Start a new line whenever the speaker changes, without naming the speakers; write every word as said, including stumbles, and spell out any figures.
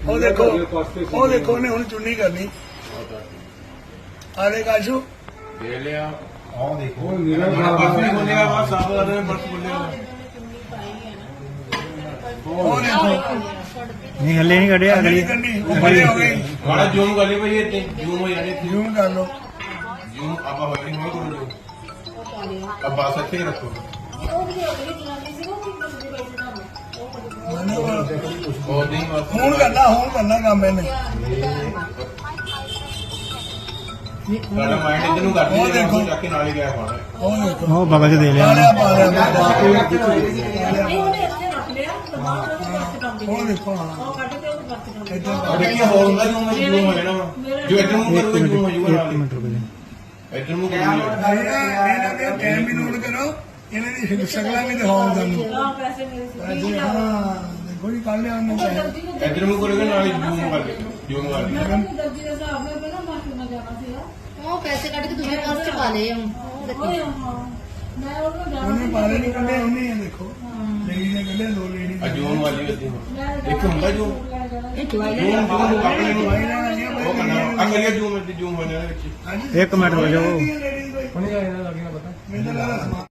ਉਹ ਦੇਖੋ ਉਹ ਦੇਖੋ ਉਹਨੇ ਹੁਣ ਚੁੰਨੀ ਕਰਨੀ ਆਲੇ ਕਾਸ਼ੂ
ਦੇ ਲਿਆ
ਆਹ ਦੇਖੋ
ਬਸ ਨਹੀਂ ਬੋਲਿਆ ਬਸ ਸਾਫ ਕਰ ਰਹੇ ਬਸ ਬੋਲਿਆ
ਉਹ ਦੇਖੋ
ਨਹੀਂ ਹੱਲੇ ਨਹੀਂ ਕੱਢਿਆ
ਅਗਲੀ
ਅਗਲੀ
ਕੰਨੀ ਉੱਪਰੇ ਹੋ ਗਈ
ਬੜਾ ਜੂਮ ਕਰ ਲਈ ਭਾਈ ਇੱਥੇ ਜੂਮ ਹੋ ਜਾਣੇ
ਜੂਮ ਕਰ ਲਓ
ਜੂਮ ਆਪਾਂ ਹੋਈ ਨਹੀਂ ਕਰੋ ਜੂਮ अब बस अच्छे ही रखो बहुत नहीं बस
ਹੁਣ ਕਰਨਾ ਹੁਣ ਕਰਨਾ ਕੰਮ ਇਹਨੇ
सारा माइंड इधर नु कर दिया देखो जाके नाल ही गया पाना
ਉਹ देखो
ਉਹ ਬਗਲ ਚ ਦੇ ਲਿਆ
ਪਾਲਿਆ ਪਾਲਿਆ ਉਹ ਦੇਖੋ ਹਾਂ
और देखिए होल का जूम में जूम हो जाना जो इधर मुंह करोगे जूम हो जाएगा
ਇੱਕ ਮਿੰਟ ਰੁਕ ਜਾ
इधर मुंह करोगे
ਇਹਨਾਂ ਦੇ ਟਾਈਮ ਵੀ ਨੋਟ ਕਰੋ ਇਹਨਾਂ ਦੀ ਸ਼ਕਲਾਂ ਵੀ ਦਿਖਾਓ ਤੁਹਾਨੂੰ ਹਾਂ ਦੇਖੋ ਜੀ ਕੱਢ ਲਿਆ ਉਹਨੇ
इधर मुंह करोगे नाल ही जूम कर दे जूम कर दे
ਉਹ ਪੈਸੇ ਕੱਢ ਕੇ ਦੂਜੇ ਪਰਸ ਚ ਪਾ ਲਏ ਹੁਣ
ਉਹਨੇ ਪਾਲੇ ਨਹੀਂ ਕੱਢੇ ਉਹਨੇ ਇਹ ਦੇਖੋ ਲੇਡੀ ਨੇ ਕੱਢੇ ਦੋ ਲੇਡੀ
आ जूम वाली होती है एक ਹੁੰਦਾ जूम जूम अपने नु वो करना अगली जूम में जूम होने वाले
ਹਾਂਜੀ
ਇੱਕ ਮਿੰਟ ਰੁਕ ਜਾਓ
ਮੈਨੂੰ ਲੱਗਦਾ